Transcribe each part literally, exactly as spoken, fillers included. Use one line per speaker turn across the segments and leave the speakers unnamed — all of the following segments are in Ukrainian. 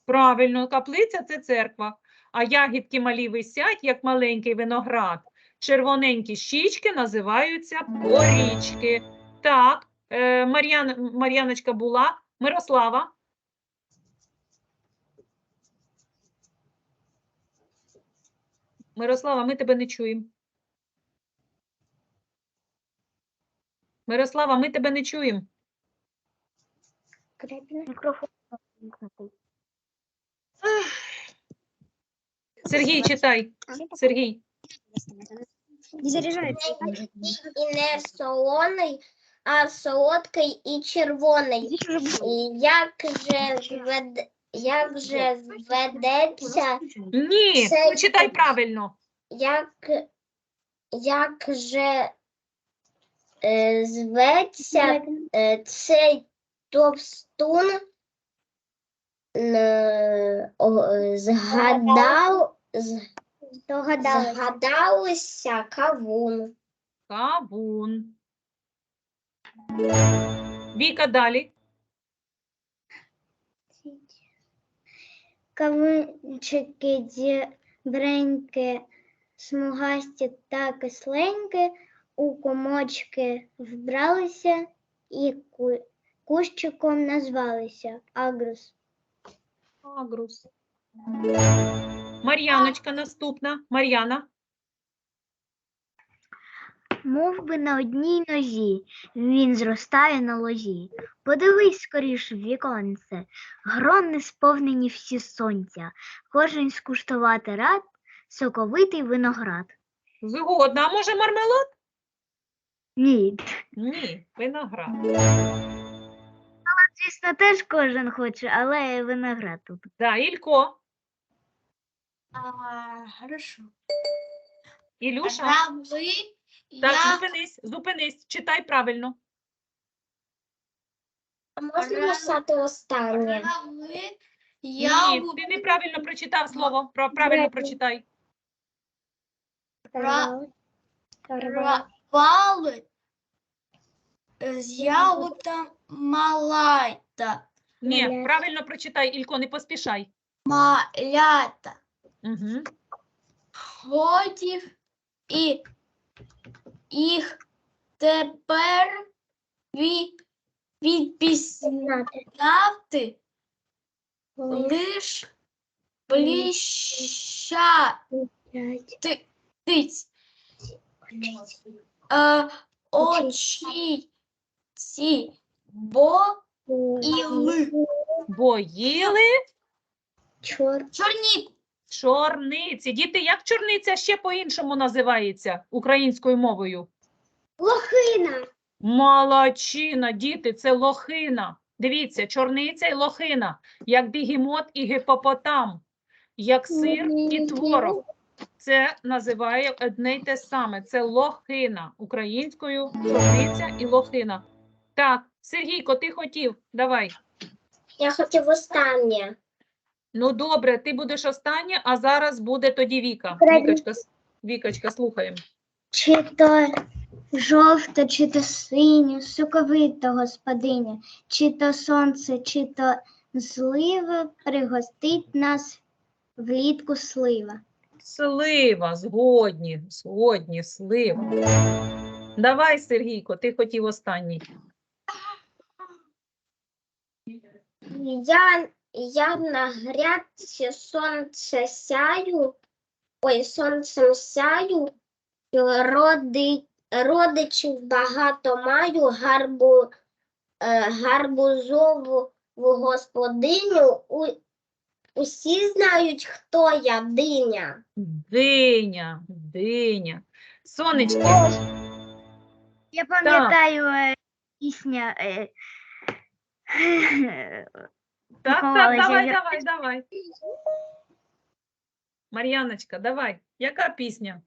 Правильно, каплиця – це церква. А ягідки малі висять, як маленький виноград. Червоненькі щічки називаються порічки. Так, е, Мар'ян, Мар'яночка була. Мирослава. Мирослава, ми тебе не чуємо. Мирослава, ми тебе не чуємо.
Мікрофон.
Сергій, читай. Сергій.
Не заряджається.
І не солоний, а солодкий і червоний. І як же звед... як же зведеться,
Ні,
Це-
читай правильно.
як, як же е, зветься е, цей товстун, е, о, е, згадав, з-
Догадалася.
згадалися кавун.
Кавун. Віка, далі.
Кавунчики дібренькі, смугасті та кисленькі, у комочки вбралися і ку- кущиком назвалися. Агрус.
Агрус. Мар'яночка наступна. Мар'яна.
Мов би на одній нозі, він зростає на лозі. Подивись скоріш в віконце, грони сповнені всі сонця, кожен скуштувати рад, соковитий виноград.
Згодна. А може мармелад?
Ні,
Ні, виноград.
звісно, теж кожен хоче, але виноград тут.
Да, Ілько.
А, хорошо.
Ілюша.
Раби,
Так, зупинись, зупинись. Читай правильно.
можна написати останнє?
Ні, ти неправильно прочитав слово. Про- Правильно прочитай.
Рвали з ягода малайта,
Ні,
Малята.
правильно прочитай, Ілько, не поспішай.
малята,
Угу.
ходів і їх тепер від, відпізнати лиш блищатиць. Е, очі ці, бо іли.
Бо їли
Чор.
Чорні.
чорниці. Діти, як чорниця ще по-іншому називається українською мовою?
Лохина.
Молодчина, діти, це лохина. Дивіться, чорниця і лохина, як бігемот і гіпопотам, як сир і творог. Це називає одне й те саме. Це лохина. Українською чорниця і лохина. Так, Сергійко, ти хотів? Давай.
Я хотів останнє.
Ну, добре, ти будеш останнє, а зараз буде тоді Віка.
Правильно.
Вікочка, с- Вікочка, слухаємо.
Чи то жовта, чи то синя, соковита господиня, чи то сонце, чи то злива, пригостить нас влітку слива.
Слива, згодні, згодні, слива. Давай, Сергійко, ти хотів останній.
Я, я на грядці сонце сяю, ой, сонцем сяю, роди, родичів багато маю, гарбу, е, гарбузову господиню. У, усі знають, хто я, диня.
Диня, диня. Сонечки,
Я пам'ятаю е, пісня. Е,
так, так,
Ховалася
давай,
я.
давай, давай. Мар'яночка, давай. Яка пісня?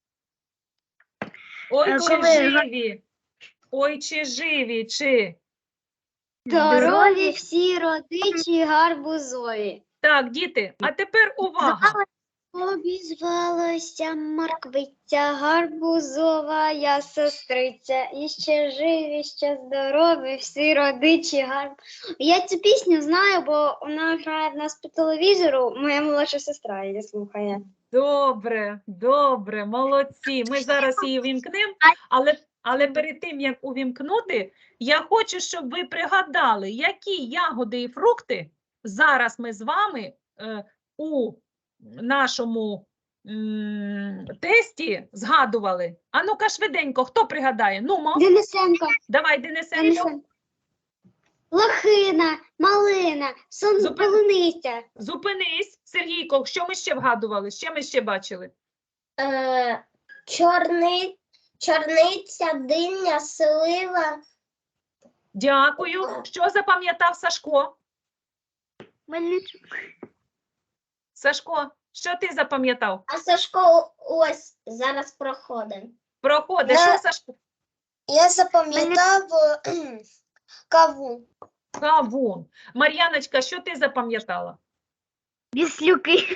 Ой,
Е,
чи
коли-
живі, ой, чи живі, чи.
Здорові
всі родичі гарбузові.
Так, діти, а тепер увага.
Обізвалася морквиця, гарбузова я сестриця, і ще живі, ще здорові, всі родичі гарб. Я цю пісню знаю, бо вона грає в нас по телевізору, моя молодша сестра її слухає.
Добре, добре, молодці. Ми зараз її вімкнемо, але, але перед тим, як увімкнути, я хочу, щоб ви пригадали, які ягоди і фрукти зараз ми з вами е, у нашому м, тесті згадували. А ну-ка швиденько, хто пригадає? Нумо,
Денисенко,
давай, Денисенко.
Денисенко. Лохина, малина, сон...
Зупин-
полуниця.
Зупинись, Сергійко, що ми ще вгадували? Що ми ще бачили?
Е, чорни... Чорниця, диня, слива.
Дякую. Що запам'ятав Сашко?
Мельничук.
Сашко, що ти запам'ятав?
А Сашко ось зараз проходить.
Проходи,
Я-
що Сашко?
Я запам'ятав каву.
Кавун. Мар'яночка, що ти запам'ятала?
Віслюки.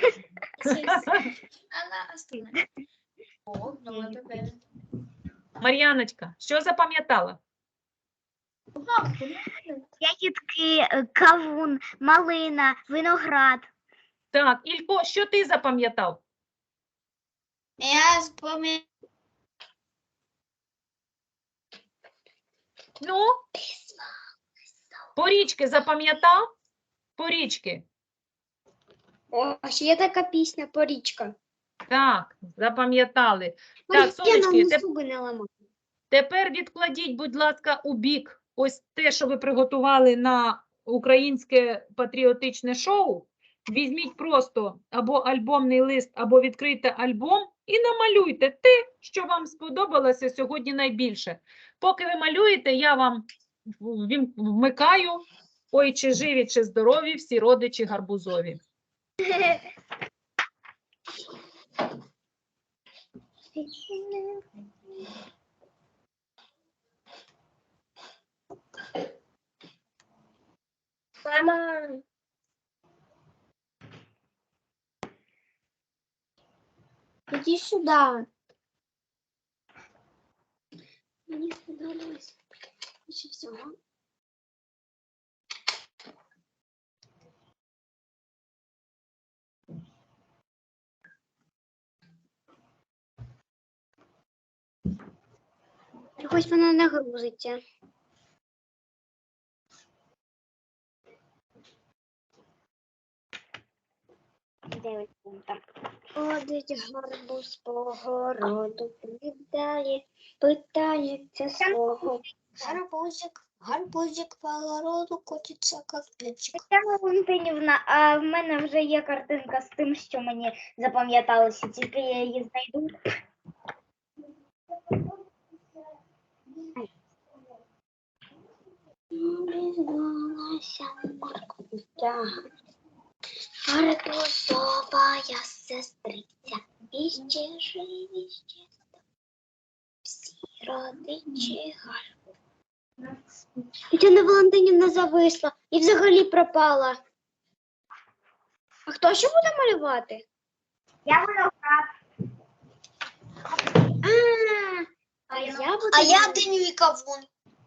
Мар'яночка, що запам'ятала?
Ягідки, е, кавун, малина, виноград.
Так, Ілько, що ти запам'ятав?
Я запам'ятав.
Ну? Порічки запам'ятав? Порічки.
О, а ще є така пісня «Порічка».
Так, запам'ятали. Так, сонечки,
я
теп-
зуби не ламаю.
тепер відкладіть, будь ласка, у бік ось те, що ви приготували на українське патріотичне шоу. Візьміть просто або альбомний лист, або відкрийте альбом і намалюйте те, що вам сподобалося сьогодні найбільше. Поки ви малюєте, я вам вім- вмикаю «Ой, чи живі, чи здорові, всі родичі гарбузові».
Мама. Иди сюда. Мне сподобалось більше всього. Чогось вона не грузиться. Ходить гарбуз по городу, питає, питається свого. Гарбузик, гарбузик по городу котиться, як печик.
Тетяна Валентинівна, а в мене вже є картинка з тим, що мені запам'яталося, тільки я її знайду.
Обізвалася морквиця, гарбузова я сестриця, і ще живі, ще всі родичі гарбуз. Тетяна Валентинівна зависла і взагалі пропала. А хто ще буде малювати?
Я виноград.
А, а я буду.
А я диню і кавун.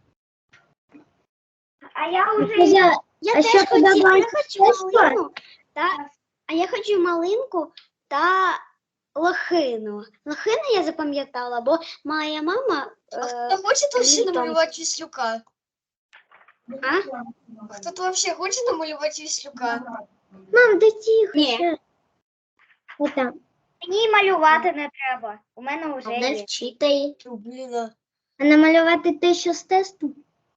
А я вже
Я, я
А
теж
що
хотіла, я
подобається?
хочу
Що?
малинку, та, а я хочу малинку та лохину. Лохину я запам'ятала, бо моя мама...
А
Е,
хто хоче тут ще
літом.
намалювати віслюка?
а?
Хто тут взагалі хоче намалювати віслюка?
Мам, да тихо.
Ні.
ще. Отам.
мені малювати не треба. У мене вже
Не
є.
вчитай.
Ну, блін. а.
А намалювати те, що з тесту?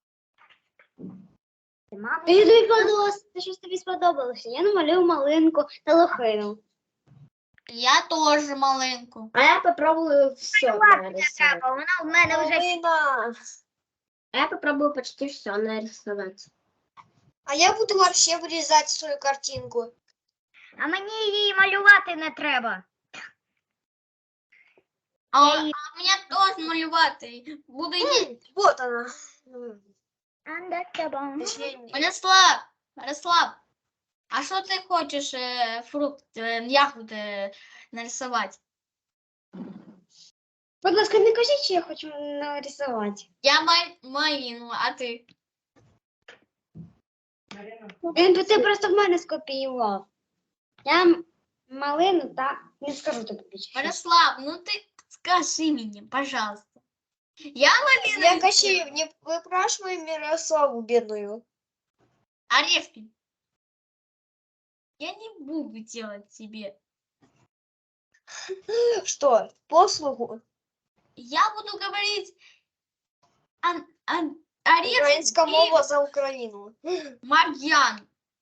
Мама,
Тобі сподобалося, те, що тобі сподобалося. Я намалюю малинку та лохину.
Я теж маленьку.
А я попробую все нарисувати.
треба, вона в мене вже
Половина.
А я попробую почти все нарисувати.
А я буду вообще вирізати свою картинку.
А мені її малювати не треба.
А,
Я її-
а мені теж малювати. Буде її. Вот вона.
Анда-чабам.
Мирослав, Мирослав,
А що ти хочеш е, фрукт, е, ягоди е, нарисувати?
Будь ласка, не кажіть, що я хочу нарисувати.
Я май, малину, а ти?
Він ти просто в мене скопіював. Я м- малину, та не скажу тобі більше.
Мирослав, ну ти скажи мені, пожалуйста. Я малину.
Я Кащеев, не выпрашивай Мирославу бедную.
Орешки. Я не буду делать тебе.
Что, послугу?
Я буду говорить ан, ан, орешки
Украинская
и
мова за Украину.
Марьян.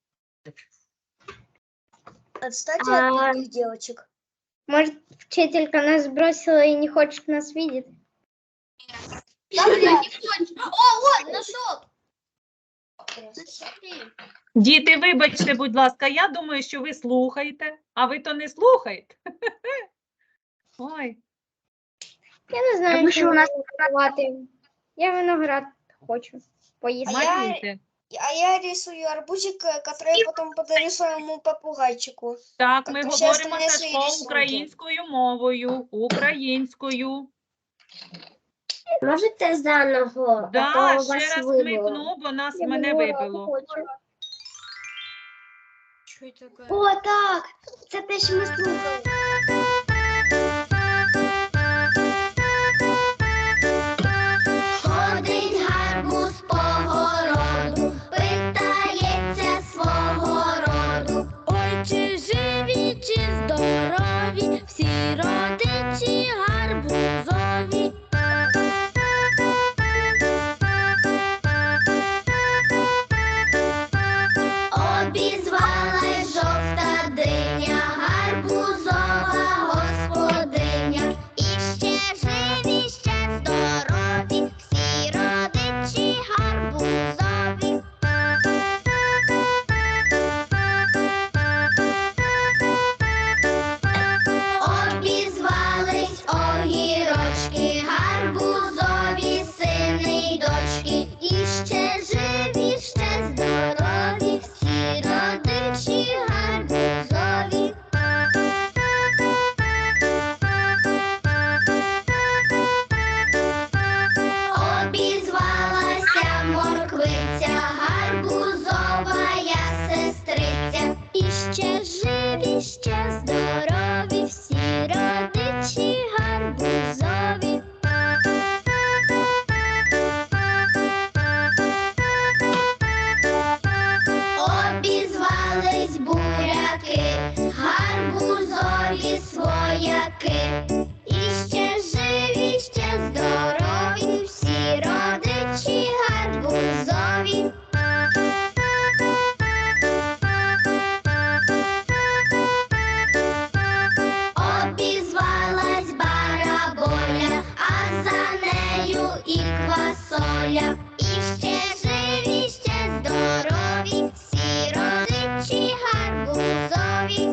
Отстаньте
А-
от других девочек.
Может, вчителька нас бросила и не хочет нас видеть?
Она не хочет. О, вот, нашел. Смотри.
Діти, вибачте, будь ласка, я думаю, що ви слухаєте, а ви то не слухаєте. Ой,
Я не знаю,
Тому
що
що у нас
нарисувати. Я виноград хочу поїсти.
А я-
малюйте.
А я рисую арбузик, э, который я потом подарю своему попугайчику.
Так,
Так,
ми
то всі
говоримо
остальні
Сашко
свої рисунки.
українською мовою. Українською.
Можете заново?
Да, ще раз смикну, бо нас мене вибило.
Что это такое?
О, так! Це те, що ми слухали.
Ходить гарбуз по городу, питається свого роду. Ой, чи живі, чи здорові, всі родичі гарбузові. Обізвалась жовта диня, гарбузова господиня. І ще живі, ще здорові, всі родичі гарбузові. Обізвались огірочки, гарбузові сини й дочки. І ще живі, ще здорові, всі родичі гарбузові. Обізвалася морквиця, гарбузова я сестриця. І ще живі, ще здорові, всі родичі гарбузові. Обізвались буряки, гарбузові свояки. І ще живі, ще здорові, всі родичі гарбузові. Обізвалась бараболя, а за нею і квасоля. І ще живі, ще здорові, всі родичі гарбузові.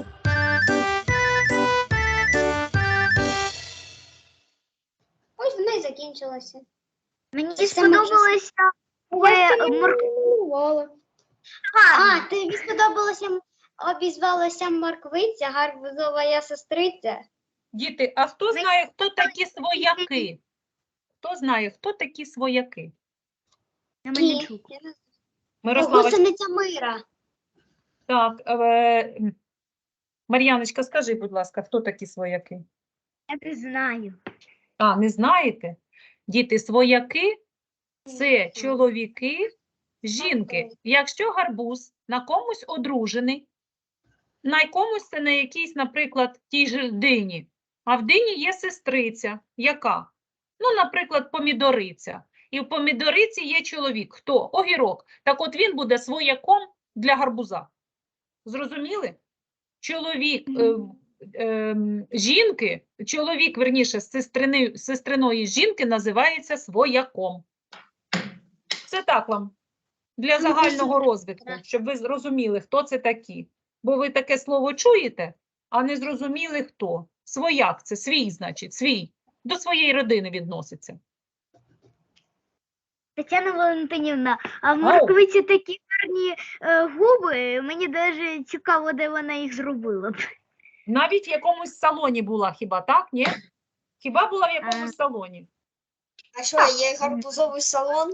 Ось вона і закінчилася.
Мені
Це
сподобалося
Я
е, морква.
малювала. А, тобі сподобалося, м- обізвалася морквиця, гарбузова я сестриця.
Діти, а хто знає, хто такі свояки? Хто знає, хто такі свояки?
На Мельничук.
Мирослава,
Гусениця мира.
так, е, Мар'яночка, скажи, будь ласка, хто такі свояки?
Я не знаю.
А, не знаєте? Діти, свояки – це чоловіки, жінки. Якщо гарбуз на комусь одружений, на комусь це на якійсь, наприклад, тій же дині, а в дині є сестриця. Яка? Ну, наприклад, помідориця. І в помідориці є чоловік. Хто? Огірок. Так от він буде свояком для гарбуза. Зрозуміли? Чоловік е, е, жінки, чоловік, верніше, сестрини, сестриної жінки називається свояком. Це так вам, для загального розвитку, щоб ви зрозуміли, хто це такі. Бо ви таке слово чуєте, а не зрозуміли, хто. Свояк – це свій, значить, свій. До своєї родини відноситься.
Тетяна Валентинівна, а в морквиці такі гарні е, губи. Мені навіть цікаво, де вона їх зробила.
Навіть в якомусь салоні була хіба, так? Ні? Хіба була в якомусь салоні?
А що, є гарбузовий салон?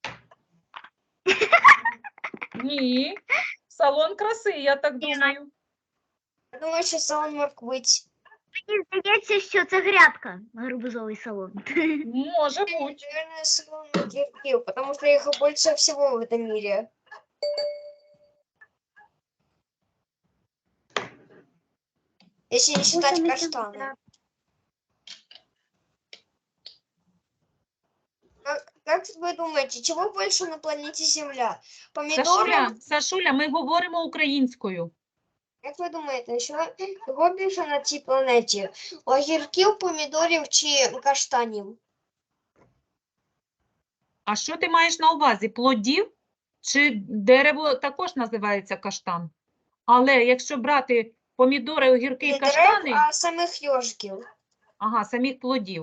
Ні. Салон краси, я так думаю.
Я думаю, що салон морквиць.
Мені здається, що це грядка, гарбузовий салон.
Може бути.
Наверное, салон огірків, потому что их больше всего в этом мире. Если не считать каштаны. Как, как вы думаете, чего больше на планете Земля? Помидоров?
Сашуля, Сашуля, ми говоримо українською.
Як ви думаєте, що кого більше на цій планеті? Огірків, помідорів чи каштанів?
А що ти маєш на увазі? Плодів? Чи дерево також називається каштан? Але якщо брати помідори, огірки і
Не дерев,
каштани,
а самих йожиків.
ага, самих плодів.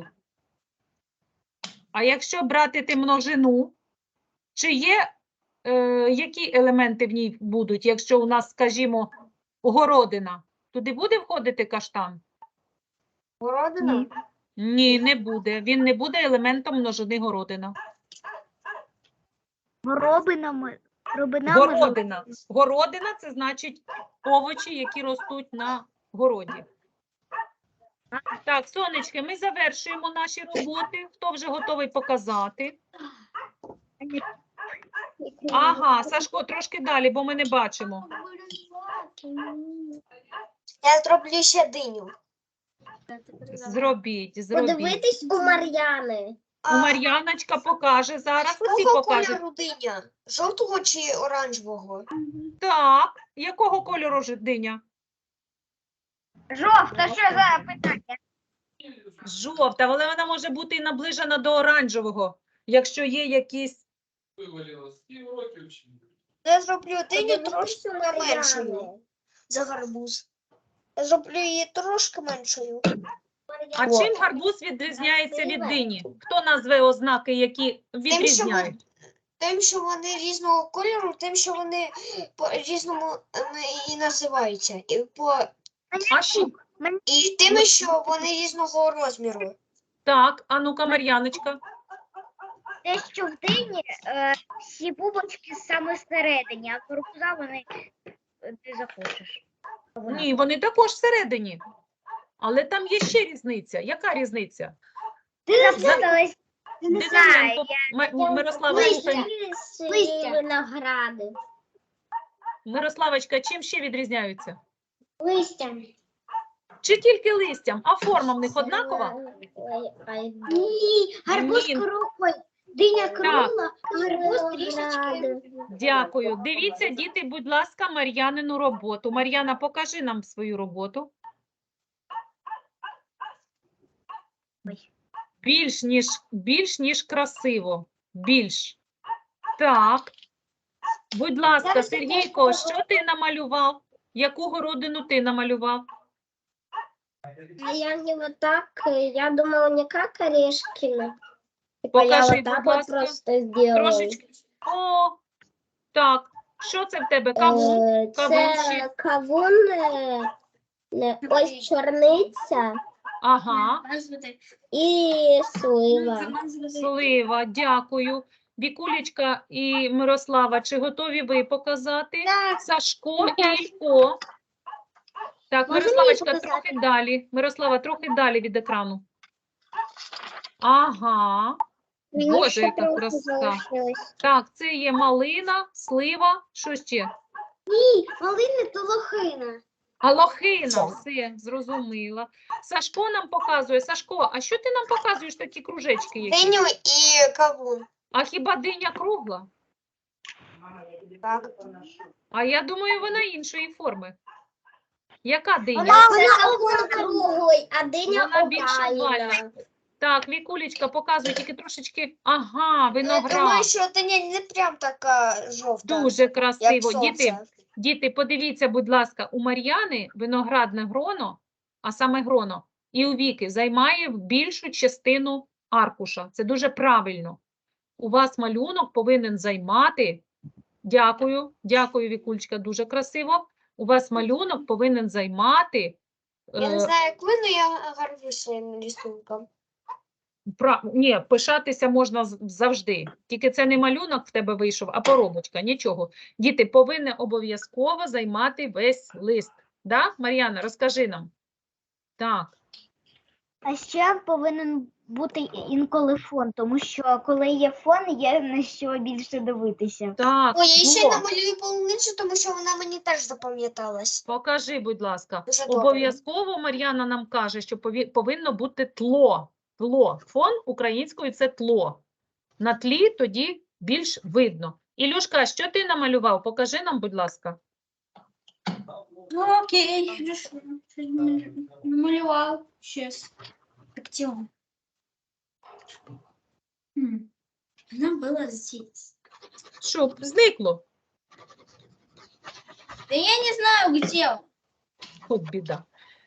А якщо брати ти множину, чи є, е, які елементи в ній будуть, якщо у нас, скажімо, городина? Туди буде входити каштан?
Городина?
Ні, не буде. Він не буде елементом множини городина.
Горобинами, робинами.
Городина. Городина – це значить овочі, які ростуть на городі. Так, сонечки, ми завершуємо наші роботи. Хто вже готовий показати? Ага, Сашко, трошки далі, бо ми не бачимо.
Я зроблю ще диню.
Зробіть, зробіть.
у Мар'яни.
У Мар'яночка покаже зараз. Усі
Якого
покажуть.
кольору диня? Жовтого чи оранжевого?
Так, якого кольору ж диня?
Жовта, що за питання?
Жовта, але вона може бути і наближена до оранжевого, якщо є якісь...
Я зроблю диню трошки меншою за гарбуз. Я зроблю її трошки меншою.
А чим гарбуз відрізняється від дині? Хто назве ознаки, які відрізняють?
Тим, що вони різного кольору, тим, що вони по-різному е, і називаються. І, по...
А що?
і тим, що вони різного розміру.
Так, а ну-ка, Мар'яночка.
Те, що в дині е, всі бубочки саме всередині, а корпуза вони е, ти захочеш.
Ні, вони також всередині. Але там є ще різниця. Яка різниця?
Ти запуталась.
Денисенко, М- Мирослава, слухай.
Листя виногради.
Мирославочка, чим ще відрізняються?
Листя.
Чи тільки листям, а форма в них однакова?
Ні, гарбуз
Ні.
круглий, диня
Так.
кругла, а гарбуз трішечки.
Дякую. Дивіться, діти, будь ласка, Мар'янину роботу. Мар'яна, покажи нам свою роботу. Більш ніж, більш ніж красиво. Більш. Так. Будь ласка,
Зараз
Сергійко,
я
що ти намалював? Яку городину ти намалював?
А я не вот так, я думала не как Орешкина.
Покажи, будь ласка.
просто сделала.
Трошечки. О, так. Що це в тебе? Кавун?
Е,
Кавун
Це
ще?
кавун, е, е, ось чорниця
Ага.
і слива.
Слива, дякую. Вікулечка і Мирослава, чи готові ви показати?
Так.
Сашко і Ілько. Так,
Можна
Мирославочка,
мені показати?
трохи далі. Мирослава, трохи далі від екрану. Ага.
Мені
Боже,
ще
яка
трохи
краса.
залишилось.
Так, це є малина, слива, що ще?
Ні, малини то лохина.
А лохина, все, зрозуміла. Сашко нам показує. Сашко, а що ти нам показуєш такі кружечки які?
Диню і кавун.
А хіба диня кругла?
Так.
А я думаю, вона іншої форми. Яка диня?
Вона круглий, а диня
Вона більш овальна.
овальна.
Так, Вікулечка показує тільки трошечки. Ага,
Я думаю,
виноград.
що диня не прям така жовта,
Дуже
як
красиво. Діти,
сонце.
діти, подивіться, будь ласка, у Мар'яни виноградне гроно, а саме гроно, і у Віки займає більшу частину аркуша. Це дуже правильно. У вас малюнок повинен займати Дякую, дякую, Вікулечка, дуже красиво. У вас малюнок повинен займати
Я не
е,
знаю, як ви, але я горжусь своїм рисунком.
Пра... Ні, пишатися можна з- завжди. Тільки це не малюнок в тебе вийшов, а поробочка, нічого. Діти повинні обов'язково займати весь лист. Да, Мар'яна, розкажи нам. Так,
А ще повинен бути інколи фон, тому що коли є фон, є на що більше дивитися.
так,
Ой, я ще
во.
намалюю полуницю, тому що вона мені теж запам'яталась.
Покажи, будь ласка.
Дуже добре.
Обов'язково Мар'яна нам каже, що пові- повинно бути тло. Тло. Фон українською – це тло. На тлі тоді більш видно. Ілюшка, що ти намалював? Покажи нам, будь ласка.
Ну, окей, хорошо. Щось намалю- намалював. Сейчас. Где он? М, Она была здесь.
Що, зникло?
Да я не знаю, где он.
От біда.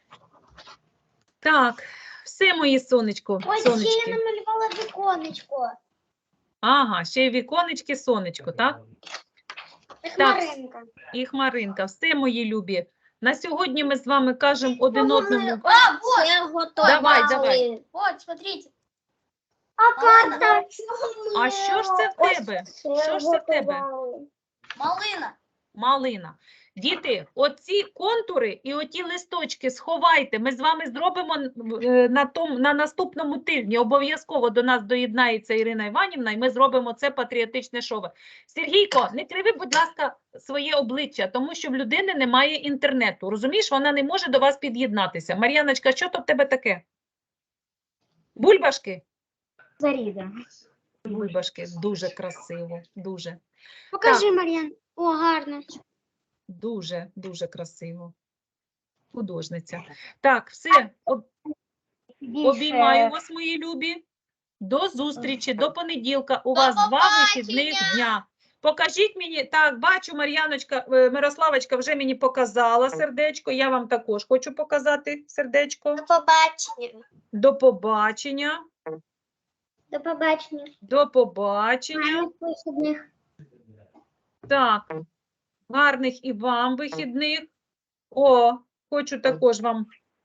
Так, все, мої сонечко,
Ось ще я
сонечки.
намалювала віконечко.
Ага, ще й віконечки, сонечко, так?
Хмаринка.
І хмаринка. Все, мої любі. На сьогодні ми з вами кажемо один одному.
А, вот!
Я готова.
Давай, давай.
Вот, смотрите.
А карта?
А що ж це в тебе? Що ж це в тебе?
Малина.
Малина. Діти, оці контури і оті листочки сховайте. Ми з вами зробимо е, на, том, на наступному тижні. Обов'язково до нас доєднається Ірина Іванівна, і ми зробимо це патріотичне шоу. Сергійко, не криви, будь ласка, своє обличчя, тому що в людини немає інтернету. Розумієш, вона не може до вас під'єднатися. Мар'яночка, що то в тебе таке? Бульбашки?
Заріда.
Бульбашки. Дуже красиво. Дуже.
Покажи, Мар'ян. О, гарно.
Дуже, дуже красиво. Художниця. Так, все. Об- Обіймаю вас, мої любі. До зустрічі, до понеділка. У
До
вас два
побачення!
вихідних дня. Покажіть мені, так, бачу, Мар'яночка, е, Мирославочка вже мені показала сердечко. Я вам також хочу показати сердечко.
До побачення.
До побачення.
До побачення.
До побачення.
Гарних вихідних.
Так, гарних і вам вихідних. О, хочу також вам.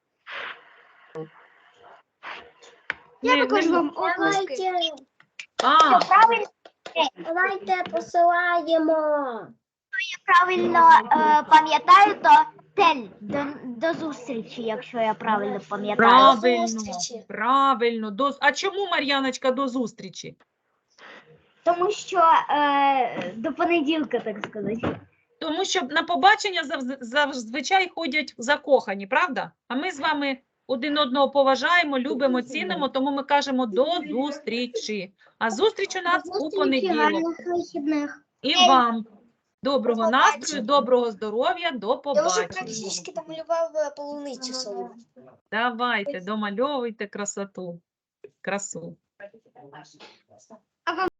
Я
Не-
також
не-
вам оплески.
А,
Давайте посилаємо.
Правильно е, пам'ятаю, то тель. До, до зустрічі, якщо я правильно пам'ятаю.
правильно,
зустрічі.
правильно. До... А чому, Мар'яночка, до зустрічі?
Тому що е, до понеділка, так сказати.
Тому що на побачення завз- зазвичай ходять закохані, правда? А ми з вами один одного поважаємо, любимо, цінимо, тому ми кажемо до зустрічі. А зустріч у нас у понеділок.
Гарних вихідних.
І вам доброго
До
настрою,
побачення.
доброго здоров'я, до
Я вже
побачення.
практично намалював е, полуницю свою.
Давайте, домальовуйте красоту. Красу.